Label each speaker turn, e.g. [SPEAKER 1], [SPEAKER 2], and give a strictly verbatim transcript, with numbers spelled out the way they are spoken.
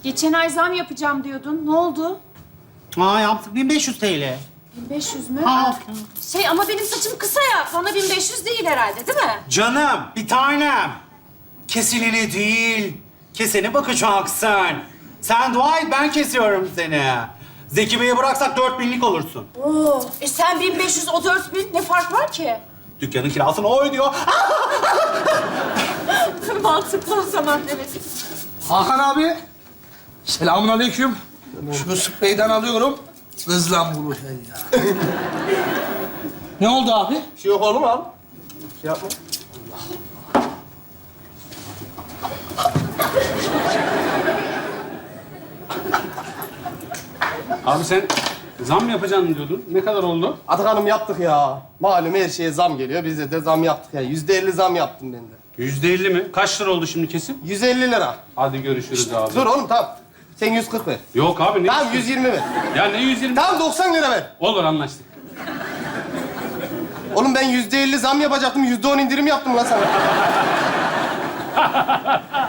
[SPEAKER 1] Geçen ay zam yapacağım diyordun. Ne oldu?
[SPEAKER 2] Aa yaptık bin beş yüz T L.
[SPEAKER 1] bin beş yüz mü?
[SPEAKER 2] Ha.
[SPEAKER 1] Şey ama benim saçım kısa ya. Bana bin beş yüz değil herhalde değil mi?
[SPEAKER 2] Canım, bir tanem. Kesileni değil, kesene bakacaksın. Sen dua et, ben kesiyorum seni. Zeki Bey'e bıraksak dört binlik olursun.
[SPEAKER 1] Oo. E sen bin beş yüz, o dört bin. Ne fark var ki?
[SPEAKER 2] Dükkanın kirasını o ödüyor.
[SPEAKER 1] Mantıklı o zaman, evet.
[SPEAKER 3] Hakan abi. Selamun aleyküm. Şu spreyden alıyorum. Hızla vurur ya. Ne oldu abi?
[SPEAKER 4] Bir şey yok oğlum al. Şey yapma.
[SPEAKER 5] Abi sen zam yapacaksın diyordun. Ne kadar oldu?
[SPEAKER 4] Atakan'ım yaptık ya. Malum her şeye zam geliyor. Biz de, de zam yaptık ya. Yüzde elli zam yaptım ben de.
[SPEAKER 5] Yüzde elli mi? Kaç lira oldu şimdi kesim?
[SPEAKER 4] Yüz elli lira.
[SPEAKER 5] Hadi görüşürüz abi.
[SPEAKER 4] Dur oğlum tamam. Sen yüz kırk ver.
[SPEAKER 5] Yok abi ne?
[SPEAKER 4] Tamam yüz yirmi ver.
[SPEAKER 5] Ya ne yüz yirmi?
[SPEAKER 4] Tamam doksan lira ver.
[SPEAKER 5] Olur anlaştık.
[SPEAKER 4] Oğlum ben yüzde elli zam yapacaktım. Yüzde on indirim yaptım lan sana.